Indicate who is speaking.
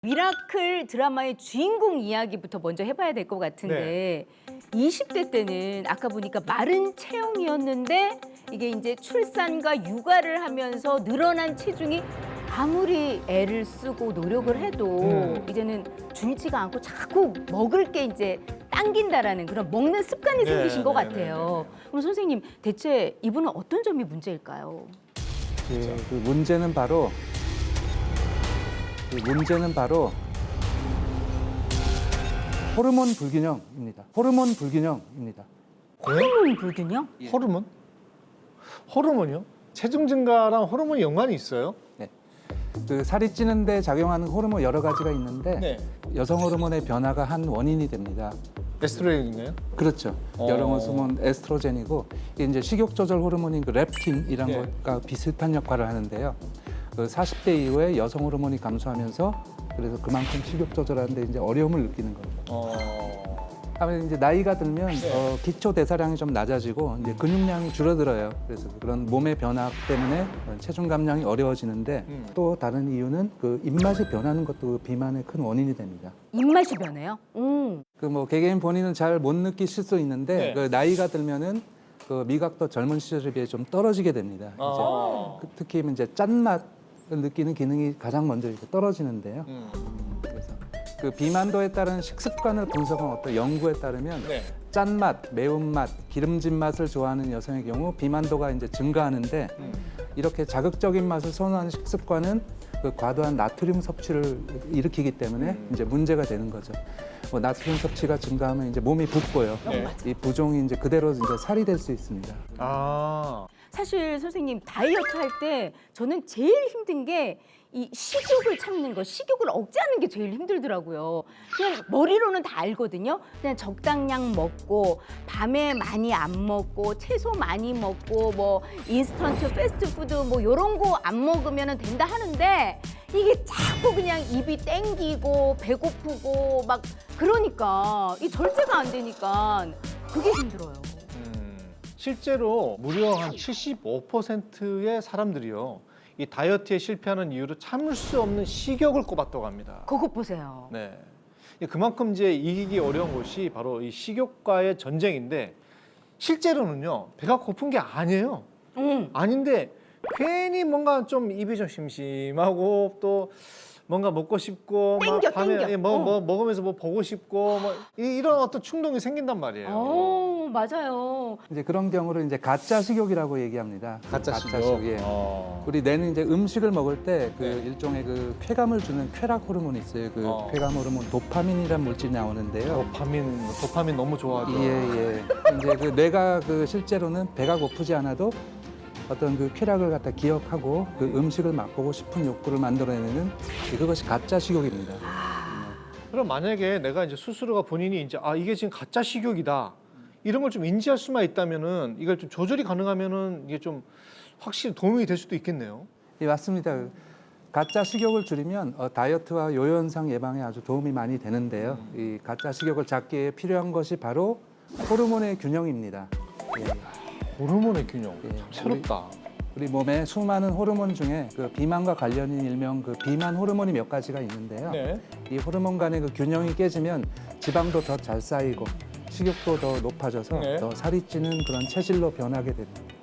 Speaker 1: 미라클 드라마의 주인공 이야기부터 먼저 해봐야 될 것 같은데 20대 때는 아까 보니까 마른 체형이었는데 이게 이제 출산과 육아를 하면서 늘어난 체중이 아무리 애를 쓰고 노력을 해도 이제는 줄지가 않고 자꾸 먹을 게 이제 당긴다라는 그런 먹는 습관이 생기신 것 같아요. 그럼 선생님 대체 이분은 어떤 점이 문제일까요?
Speaker 2: 그 문제는 바로 호르몬 불균형입니다. 호르몬 불균형입니다.
Speaker 1: 호르몬 불균형?
Speaker 3: 호르몬? 호르몬이요? 체중 증가랑 호르몬이 연관이 있어요?
Speaker 2: 네. 그 살이 찌는데 작용하는 호르몬 여러 가지가 있는데 여성 호르몬의 변화가 한 원인이 됩니다.
Speaker 3: 에스트로겐인가요?
Speaker 2: 그렇죠. 여성 호르몬 에스트로겐이고 이게 이제 식욕 조절 호르몬인 그 렙틴 이런 것과 비슷한 역할을 하는데요. 그 40대 이후에 여성 호르몬이 감소하면서 그래서 그만큼 식욕 조절하는데 이제 어려움을 느끼는 겁니다. 아무래도 이제 나이가 들면 기초 대사량이 좀 낮아지고 이제 근육량이 줄어들어요. 그래서 그런 몸의 변화 때문에 체중 감량이 어려워지는데 또 다른 이유는 그 입맛이 변하는 것도 그 비만의 큰 원인이 됩니다.
Speaker 1: 입맛이 변해요?
Speaker 2: 그 뭐 개개인 본인은 잘 못 느끼실 수 있는데 그 나이가 들면은 그 미각도 젊은 시절에 비해 좀 떨어지게 됩니다. 이제 특히 이제 짠맛을 느끼는 기능이 가장 먼저 이렇게 떨어지는데요. 그래서 그 비만도에 따른 식습관을 분석한 어떤 연구에 따르면 짠맛, 매운맛, 기름진 맛을 좋아하는 여성의 경우 비만도가 이제 증가하는데 이렇게 자극적인 맛을 선호하는 식습관은 그 과도한 나트륨 섭취를 일으키기 때문에 이제 문제가 되는 거죠. 뭐 나트륨 섭취가 증가하면 이제 몸이 붓고요. 이 부종이 이제 그대로 이제 살이 될 수 있습니다.
Speaker 1: 사실 선생님 다이어트 할 때 저는 제일 힘든 게 이 식욕을 참는 거, 식욕을 억제하는 게 제일 힘들더라고요. 그냥 머리로는 다 알거든요. 그냥 적당량 먹고 밤에 많이 안 먹고 채소 많이 먹고 뭐 인스턴트 패스트푸드 뭐 이런 거 안 먹으면 된다 하는데 이게 자꾸 그냥 입이 땡기고 배고프고 막 그러니까 이 절제가 안 되니까 그게 힘들어요.
Speaker 3: 실제로 무려 한 75%의 사람들이요. 이 다이어트에 실패하는 이유로 참을 수 없는 식욕을 꼽았다고 합니다.
Speaker 1: 그것 보세요.
Speaker 3: 네. 그만큼 이제 이기기 어려운 것이 바로 이 식욕과의 전쟁인데 실제로는요. 배가 고픈 게 아니에요. 아닌데 괜히 뭔가 좀 입이 좀 심심하고 또 뭔가 먹고 싶고
Speaker 1: 땡겨,
Speaker 3: 막 밤에
Speaker 1: 땡겨.
Speaker 3: 먹으면서 뭐 보고 싶고 뭐 이런 어떤 충동이 생긴단 말이에요.
Speaker 1: 맞아요.
Speaker 2: 이제 그런 경우를 이제 가짜 식욕이라고 얘기합니다.
Speaker 3: 가짜 식욕.
Speaker 2: 예. 우리 뇌는 이제 음식을 먹을 때 그 일종의 그 쾌감을 주는 쾌락 호르몬이 있어요. 그 쾌감 호르몬 도파민이라는 물질이 나오는데요.
Speaker 3: 도파민 너무 좋아하죠.
Speaker 2: 예. 이제 그 뇌가 그 실제로는 배가 고프지 않아도 어떤 그 쾌락을 갖다 기억하고 그 음식을 맛보고 싶은 욕구를 만들어내는 그것이 가짜 식욕입니다.
Speaker 3: 그럼 만약에 내가 이제 스스로가 본인이 이제 이게 지금 가짜 식욕이다 이런 걸 좀 인지할 수만 있다면은 이걸 좀 조절이 가능하면은 이게 좀 확실히 도움이 될 수도 있겠네요.
Speaker 2: 예, 맞습니다. 가짜 식욕을 줄이면 다이어트와 요요 현상 예방에 아주 도움이 많이 되는데요. 이 가짜 식욕을 잡기 위해 필요한 것이 바로 호르몬의 균형입니다.
Speaker 3: 호르몬의 균형. 참
Speaker 2: 예,
Speaker 3: 새롭다.
Speaker 2: 우리 몸에 수많은 호르몬 중에 그 비만과 관련인 일명 그 비만 호르몬이 몇 가지가 있는데요. 이 호르몬 간의 그 균형이 깨지면 지방도 더 잘 쌓이고 식욕도 더 높아져서 더 살이 찌는 그런 체질로 변하게 됩니다.